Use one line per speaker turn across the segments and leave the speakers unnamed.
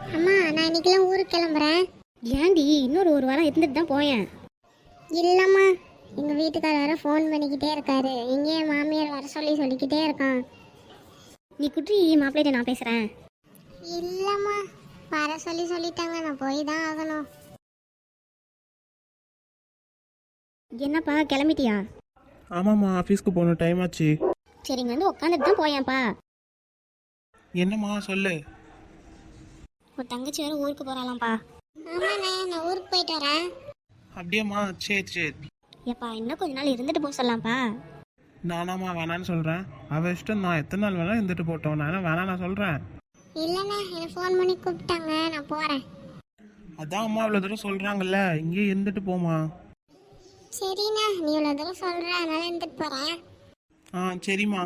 அம்மா நான் இன்னைக்கெல்லாம் ஊருக்கு கிளம்புறேன்.
ஏன்டி இன்னொரு ஒரு வாரம் இருந்துட்டு தான் போயேன்.
இல்லைம்மா, எங்கள் வீட்டுக்காரர் வேற ஃபோன் பண்ணிக்கிட்டே இருக்காரு. எங்கேயே மாமியார் வர சொல்லிக்கிட்டே இருக்கான்.
நீ குட்டி மாப்பிள்ளைகிட்ட நான் பேசுகிறேன்.
இல்லைம்மா, வர சொல்லிட்டாங்க, நான் போய் தான் ஆகணும்.
என்னப்பா கிளம்பிட்டியா?
ஆமாம்மா, ஆஃபீஸ்க்கு போகணும், டைம் ஆச்சு.
சரி இங்கே வந்து உட்காந்துட்டு தான் போயேன்ப்பா.
என்னம்மா சொல்லு.
ஒரு தங்கச்சி வேறு ஊருக்கு போகிறாளாம்ப்பா.
ஆமாண்ணே, நான் ஊருக்கு போயிட்டு வரேன்.
அப்படியேம்மா, சரி சரி.
ஏப்பா இன்னும் கொஞ்ச நாள் இருந்துட்டு போக சொல்லலாம்ப்பா.
நானாம்மா வேணான்னு சொல்கிறேன். அவள் இஷ்டம், நான் எத்தனை நாள் வேணாலும் இருந்துட்டு போட்டோம். நான் வேணாம் நான் சொல்கிறேன்.
இல்லைண்ணே, என்னை ஃபோன் பண்ணி கூப்பிட்டாங்க, நான் போகிறேன்.
அதான் அம்மா இவ்வளோ தூரம் சொல்கிறாங்கல்ல, இங்கேயே இருந்துட்டு போமா.
சரிண்ணா, நீ இவ்வளோ தூரம் சொல்கிற, அதனால இருந்துட்டு போகிறேன்.
ஆ சரிம்மா.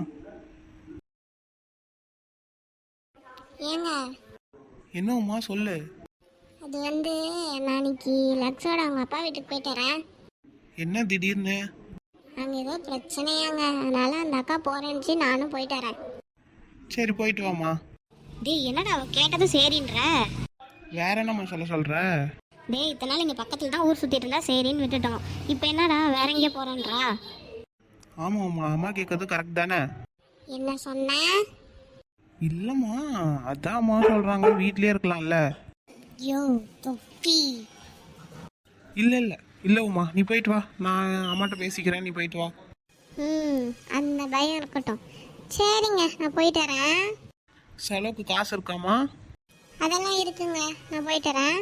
ஏங்க,
என்னம்மா சொல்லு.
அது வந்து நான் இன்னைக்கு லக்ஸோட அவங்க அப்பா வீட்டுக்கு போயிட்டு வரேன்.
என்ன திடீர்னு?
அங்கே ஏதோ பிரச்சனையாங்க, அதனால அந்த அக்கா போறேன்னுச்சு, நானும் போயிட்டு வரேன்.
சரி போயிட்டு வாம்மா.
டேய் என்னடா அவ கேட்டதும் சரின்ற.
வேற என்னம்மா சொல்கிற?
டேய் இத்தனை நாள் இங்கே பக்கத்தில் தான் ஊர் சுற்றிட்டு இருந்தா சரின்னு விட்டுட்டோம். இப்போ என்னடா வேற எங்கேயே போகிறேன்றா?
ஆமாம்மா, அம்மா கேட்கறது கரெக்ட் தானே?
என்ன சொன்ன?
இல்லைம்மா, அதான் அம்மா சொல்கிறாங்க வீட்லேயே இருக்கலாம்ல.
யோ தொப்பி.
இல்லை இல்லை உமா, நீ போயிட்டு வா, நான் அம்மாட்ட பேசிக்கிறேன், நீ போயிட்டு வா.
அந்த பயம் இருக்கட்டும். சரிங்க, நான் போயிட்டு வரேன்.
செலவுக்கு காசு இருக்காமா?
அதெல்லாம் இருக்குங்க, நான் போயிட்டு வரேன்.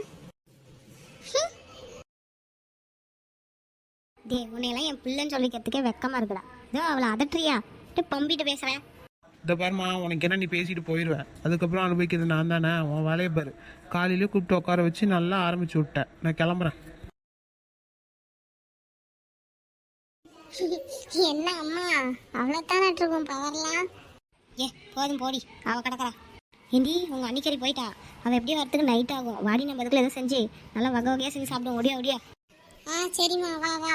டேய் உன்னையெல்லாம் என் பிள்ளைன்னு சொல்லிக்கிறதுக்கே வெக்கமாக இருக்குடா. இதோ அவளை அதட்டுறியா? பம்பிட்டு பேசுகிறேன்.
இந்த பாருமா, உனக்கு என்ன, நீ பேசிட்டு போயிடுவேன். அதுக்கப்புறம் அனுபவிக்கிறது நான் தானே. உன் வேலையை பாரு. காலையிலே கூப்பிட்டு உட்கார வச்சு நல்லா ஆரம்பிச்சு விட்டேன். நான் கிளம்புறேன்.
என்ன அம்மா, அவ்வளோத்தானே இருக்கும் பவர்லாம்?
ஏ போதும் போடி, அவள் கிடக்குறா. ஏண்டி உங்கள் அன்னிக்கறி போயிட்டா? அவள் எப்படியும் வரத்துக்கு நைட் ஆகும். வாடி நம்ம இதுக்குள்ள எதுவும் செஞ்சு நல்லா வகை வகையாக செஞ்சு சாப்பிடுவோம். ஒடியா ஒடியா.
சரிம்மா, வா வா.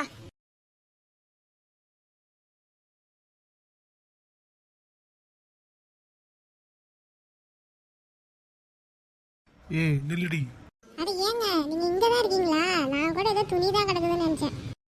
ஏய் நில்லுடி.
அட ஏங்க, நீங்க இங்க தான் இருக்கீங்களா? நான் கூட ஏதோ துணி தான் கிடக்குதுன்னு நினைச்சேன்.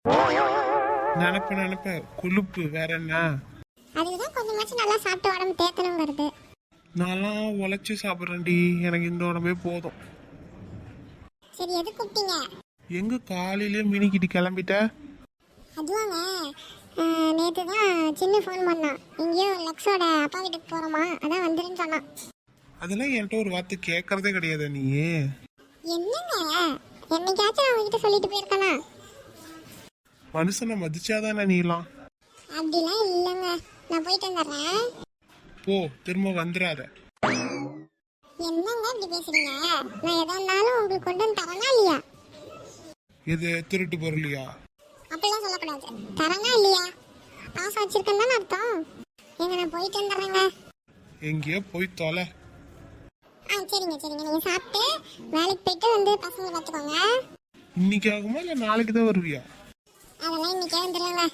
நினைப்ப கொழுப்பு வேற என்ன?
அதுதான் கொஞ்சமாச்சும் நல்லா சாப்பிட்டு உடம்பு தேத்தணுங்கிறது.
நான்லாம் உழைச்சி சாப்பிட்றேன்டி, எனக்கு இந்த உடம்பே போதும்.
சரி, எது கூப்பிட்டீங்க?
எங்க காலையிலே மினிக்கிட்டு கிளம்பிட்ட?
அதுவாங்க, நேற்று தான் சின்ன ஃபோன் பண்ணான். எங்கேயோ லக்ஸோட அப்பா வீட்டுக்கு போகிறோமா, அதான் வந்துருன்னு சொன்னான்.
அதெல்லாம் என்கிட்ட ஒரு வார்த்தை கேட்கறதே கிடையாது நீ.
என்னங்க, என்னைக்காச்சும் நான் உங்ககிட்ட சொல்லிட்டு போயிருக்கானா?
மனுஷனை மதிச்சாதானே நீலாம்.
அப்படிலாம் இல்லைங்க, நான் போயிட்டு வந்துடுறேன்.
போ, திரும்ப வந்துடாத.
என்னங்க இப்படி பேசுறீங்க? நான் எதா இருந்தாலும் உங்களுக்கு கொண்டு வந்து தரனா இல்லையா?
இது திருட்டு பொருளியா?
அப்படிலாம் சொல்லக்கூடாது. தரனா இல்லையா? காசு வச்சிருக்கேன்னு தானே அர்த்தம். எங்க நான் போயிட்டு வந்துடுறேங்க.
எங்கேயோ போய் தொலை.
சரிங்க, நீங்க சாப்பிட்டு வேலைக்கு போயிட்டு வந்து பசங்களை பார்த்துக்கோங்க.
இன்னைக்கு ஆகுமா இல்லை நாளைக்கு தான் வருவியா?
அதெல்லாம் இன்னைக்கே வந்துடுறாங்க.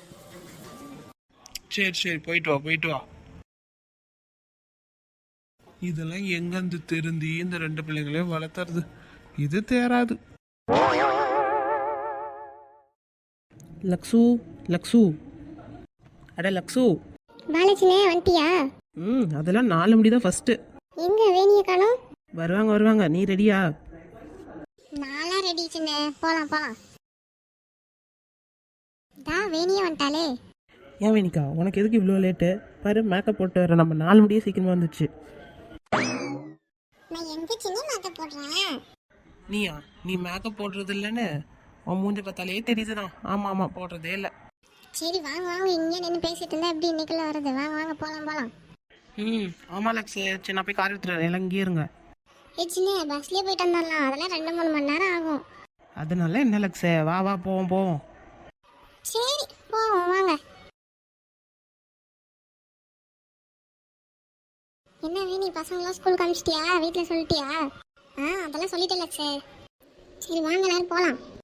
சரி போயிட்டு வா. இதெல்லாம் எங்கேருந்து திருந்தி இந்த ரெண்டு பிள்ளைங்களையும் வளர்த்துறது? இது தேராது. லக்ஸு அட லக்ஸு.
பாலச்சினே வந்துட்டியா?
அதெல்லாம் 4 மணி தான் ஃபர்ஸ்ட்.
எங்க வேணிய காணோம்?
வருவாங்க. நீ ரெடியா?
நாளா ரெடி சின்ன, போலாம். வேணிய வந்துட்டாலே.
ஏன் வேணிக்கா, உனக்கு எதுக்கு இவ்வளோ லேட்டு? பாரு, மேக்கப் போட்டு வர நம்ம 4 மணியே சீக்கிரமா வந்துச்சு.
நான் எங்க சின்ன மேக்கப் போடுறேன்?
நீ மேக்கப் போடுறது இல்லைன்னு உன் மூஞ்சி பார்த்தாலே தெரியுதுதான். ஆமா போடுறதே இல்லை.
சரி வாங்க, இங்கே நின்று பேசிட்டு இருந்தா எப்படி இன்னைக்குள்ள வருது? வாங்க போலாம்.
ஆமா லக்ஸ், சரி நான் போய் கார் எடுத்துறேன், எல்லாம் இங்கே இருங்க.
சின்ன பஸ்லயே போயிட்டு வந்துடலாம், அதெல்லாம் 2-3 மணி நேரம் ஆகும்.
அதனால என்ன லக்ஸ், வா போவோம்.
சரி போவோம், வாங்க. என்ன வேணி, பசங்களாம் ஸ்கூலுக்கு அனுப்பிச்சிட்டியா? வீட்டில் சொல்லிட்டியா? அதெல்லாம் சொல்லிட்டேன் லக்ஸ். சரி வாங்க, எல்லாரும் போகலாம்.